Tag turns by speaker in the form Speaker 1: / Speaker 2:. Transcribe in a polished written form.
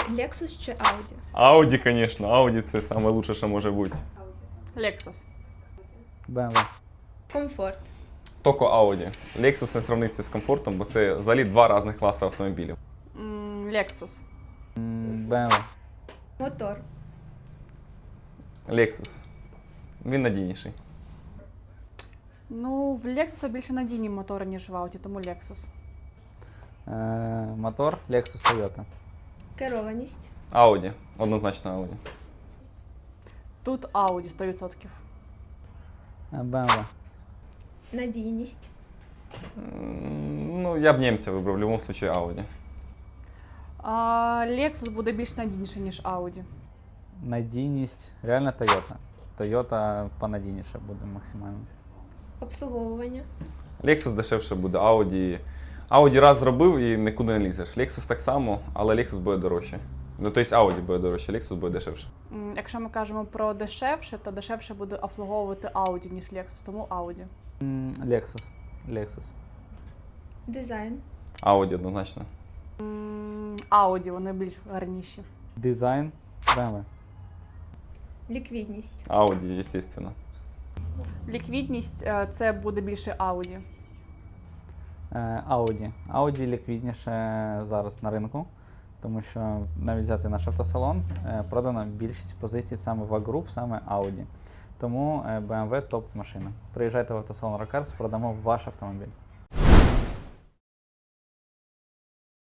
Speaker 1: Lexus чи Audi?
Speaker 2: Audi, звісно. Audi це найкраще, що може бути.
Speaker 3: Lexus.
Speaker 4: BMW.
Speaker 1: Комфорт.
Speaker 2: Тільки Audi. Lexus не сравниться з комфортом, бо це взагалі два різних класи автомобілів.
Speaker 3: Lexus.
Speaker 4: BMW.
Speaker 1: Мотор.
Speaker 2: Lexus. Він надійніший.
Speaker 3: Ну, в Lexus більше надійні мотори, ніж в Audi, тому Lexus.
Speaker 4: Мотор Lexus Toyota.
Speaker 1: Керованість.
Speaker 2: Audi. Однозначно Audi.
Speaker 3: Тут Audi 100%.
Speaker 4: BMW.
Speaker 1: Надійність.
Speaker 2: Ну, я б німця вибрав, в будь-якому випадку Audi.
Speaker 3: Lexus буде більш надійніший, ніж Audi.
Speaker 4: Надійність. Реально Toyota. Toyota понадійніше буде максимально.
Speaker 1: Обслуговування.
Speaker 2: Lexus дешевше буде, Audi. Audi раз зробив і нікуди не лізеш. Lexus так само, але Lexus буде дорожче. Ну, тобто Audi буде дорожче, Lexus буде дешевше.
Speaker 3: Якщо ми кажемо про дешевше, то дешевше буде обслуговувати Audi, ніж Lexus, тому Audi.
Speaker 4: Lexus. Lexus.
Speaker 1: Дизайн.
Speaker 2: Audi однозначно.
Speaker 3: Audi, вони більш гарніші.
Speaker 4: Дизайн. BMW.
Speaker 1: Ліквідність.
Speaker 2: Audi, звісно.
Speaker 3: Ліквідність це буде більше Audi.
Speaker 4: Audi. Audi ліквідніше зараз на ринку, тому що навіть взяти наш автосалон, продано більшість позицій саме в А-груп, саме Audi. Тому BMW топ машина. Приїжджайте в автосалон Рокарс, продамо ваш автомобіль.